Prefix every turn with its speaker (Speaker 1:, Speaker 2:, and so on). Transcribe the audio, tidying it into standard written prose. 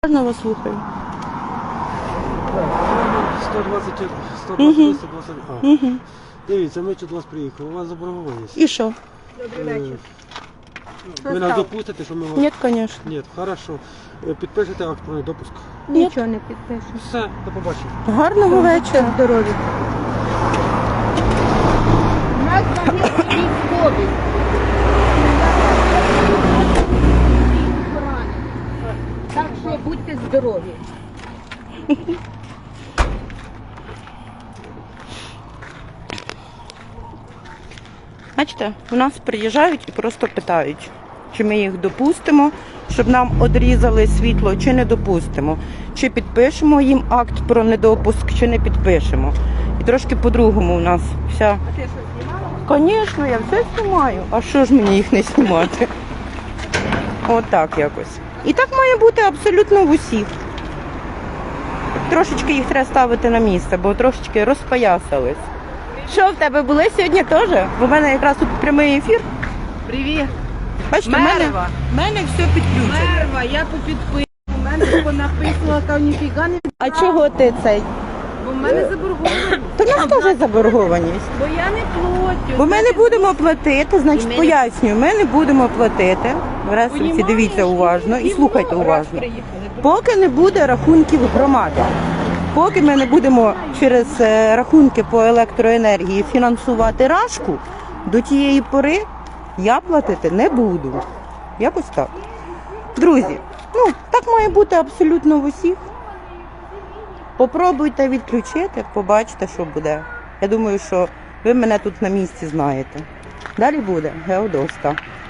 Speaker 1: Можна вас слухаю?
Speaker 2: 120, 120, 120.
Speaker 1: Угу.
Speaker 2: Дивіться, ми тут до вас приїхали, у вас заборгованість.
Speaker 1: І що?
Speaker 3: Добрий вечір.
Speaker 2: Ви нас допустите, що ми вас...
Speaker 1: Ні, звісно.
Speaker 2: Ні, хорошо. Підпишете акт про недопуск.
Speaker 3: Нічого не підпишу.
Speaker 2: Все, до побачення.
Speaker 1: Гарного вечора.
Speaker 3: Здоров'я. У нас загиблі військові. Так що будьте здорові.
Speaker 1: Бачите, у нас приїжджають і просто питають, чи ми їх допустимо, щоб нам одрізали світло, чи не допустимо. Чи підпишемо їм акт про недопуск, чи не підпишемо. І трошки по-другому у нас вся...
Speaker 3: А ти що, знімала?
Speaker 1: Звісно, я все знімаю. А що ж мені їх не знімати? Отак якось. І так має бути абсолютно в усіх. Трошечки їх треба ставити на місце, бо трошечки розпоясались. Що в тебе були сьогодні теж? Бо в мене якраз тут прямий ефір.
Speaker 3: Привіт.
Speaker 1: Бачите, в мене все підключено.
Speaker 3: Мерва, я попідписую. У мене понаписувала, та ніфіга не...
Speaker 1: А чого ти цей?
Speaker 3: Бо в мене заборгованість.
Speaker 1: То в нас теж заборгованість.
Speaker 3: Бо я не платю.
Speaker 1: Бо ми не будемо платити, значить пояснюю, ми не будемо платити. В Ресурсі дивіться уважно і слухайте уважно. Поки не буде рахунків громади, поки ми не будемо через рахунки по електроенергії фінансувати Рашку, до тієї пори я платити не буду. Якось так. Друзі, ну так має бути абсолютно в усіх. Попробуйте відключити, побачите, що буде. Я думаю, що ви мене тут на місці знаєте. Далі буде Геодоска.